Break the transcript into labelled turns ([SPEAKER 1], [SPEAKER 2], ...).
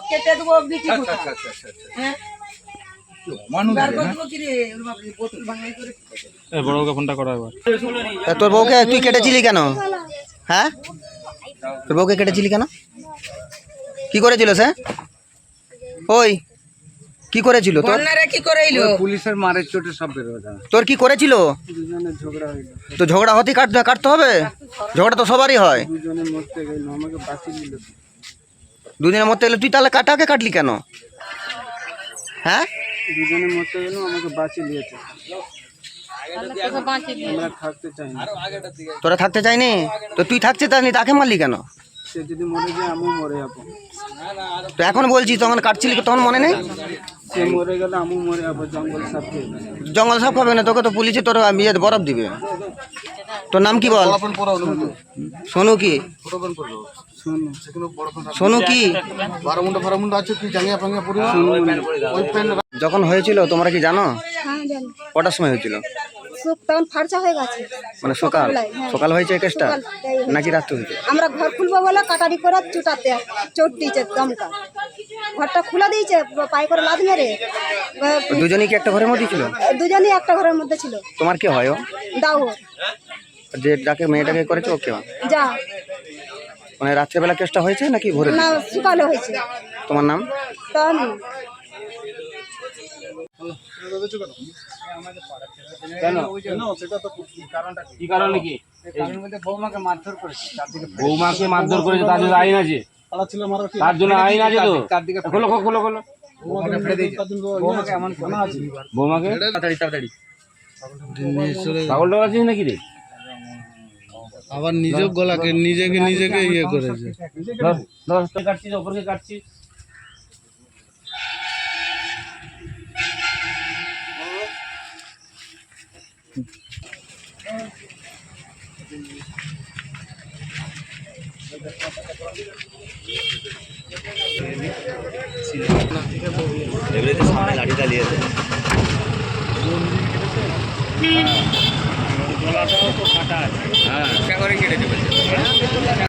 [SPEAKER 1] কেটে দেবো বিচি
[SPEAKER 2] আচ্ছা
[SPEAKER 1] কোথা
[SPEAKER 2] আচ্ছা আচ্ছা আচ্ছা
[SPEAKER 1] হ্যাঁ
[SPEAKER 2] মানুষ
[SPEAKER 1] বার
[SPEAKER 2] না
[SPEAKER 1] করে দেবো কি রে ওর বাপরে বোতল ভাঙাই করে
[SPEAKER 3] বড়কে ফোনটা করা এবার।
[SPEAKER 4] তা তোর বউকে তুই কেটেছিলি কেন? হ্যাঁ, তোর বউকে কেটেছিলি কেন? কি করেছিল সে? ওই কি করেছিল তোর?
[SPEAKER 1] বন্যারে কি করে এলো
[SPEAKER 2] পুলিশের মারের চোটে সব বের হয়ে যায়
[SPEAKER 4] তোর কি করেছিল?
[SPEAKER 2] দুজনে ঝগড়া হইলো
[SPEAKER 4] তো ঝগড়া হতে কাটতে হবে? ঝগড়া তো সবারই হয়।
[SPEAKER 2] দুজনে মরতে গেল আমাকে বাঁচিয়ে দিল
[SPEAKER 4] দুদিনের মধ্যে এলে তুই তাহলে কাটাকে কাটলি কেন? হ্যাঁ,
[SPEAKER 2] দুজনে মরতে গেল আমাকে বাঁচিয়ে দিয়েছে আমরা থাকতে চাই না
[SPEAKER 4] তোরা থাকতে চাইনি তো তুই থাকতে চাইনি, তাকে মারলি কেন?
[SPEAKER 2] সে যদি মরে যায় আমিও মরে যাবো
[SPEAKER 4] তো এখন বলছি তখন কাটছিলি তখন মনে নেই?
[SPEAKER 2] সে মরে গেলে আমিও মরে যাবো জঙ্গল সাফ খেয়ে যাবে।
[SPEAKER 4] জঙ্গল সব খাবে না, তোকে তো পুলিশে তোর বিয়ে বরফ দিবে। তোর নাম কি বল? সোনু কি?
[SPEAKER 2] শুনুন
[SPEAKER 4] সোনু কি? যখন হয়েছিল তোমরা কি জানো?
[SPEAKER 5] হ্যাঁ জানি।
[SPEAKER 4] কটার সময় হয়েছিল?
[SPEAKER 5] তখন ফার্চা হয়ে গেছে
[SPEAKER 4] মানে সকাল
[SPEAKER 5] সকালবেলায়, হ্যাঁ।
[SPEAKER 4] সকাল হয়েছে এই কেসটা
[SPEAKER 5] সকাল, তাই হয়েছে।
[SPEAKER 4] নাকি রাত্রে হয়েছে?
[SPEAKER 5] আমরা ঘর খুলবো বলে কাটারি করে চোট দিয়েছে দমকা, ঘরটা খুলে দিয়েছে পায়ে করে লাদ মেরে।
[SPEAKER 4] তো দুজনেই কি একটা ঘরের মধ্যে ছিল?
[SPEAKER 5] দুজনেই একটা ঘরের মধ্যে ছিল।
[SPEAKER 4] তোমার কি হয় ও?
[SPEAKER 5] দাও
[SPEAKER 4] যে যাকে মেয়েটাকে করেছে ওকে?
[SPEAKER 5] যা
[SPEAKER 4] মানে রাত্রেবেলা কেসটা হয়েছে নাকি ভোরে?
[SPEAKER 5] না সকালে হয়েছে।
[SPEAKER 4] তোমার নাম?
[SPEAKER 5] তা আমি
[SPEAKER 3] কি কারণে কি?
[SPEAKER 2] বৌমাকে মারধর করেছে
[SPEAKER 3] বৌমাকে মারধর করেছে, তার জন্য আইন আছে, তার জন্য আইন আছে তো। খোলো খোলো খোলো।
[SPEAKER 2] বৌমাকে এমন আছে
[SPEAKER 3] বৌমাকে তাড়াতাড়ি পাগল টাগল আছিস নাকি রে?
[SPEAKER 6] আবার নিজের গলাকে নিজেকে ইয়ে করেছে।
[SPEAKER 3] ধর কাটছিস, অপরকে কাটছিস।
[SPEAKER 4] সামনে লাঠিটা নিয়ে
[SPEAKER 3] গলাটাও তো কাটা আছে। হ্যাঁ, কেটে দেবে।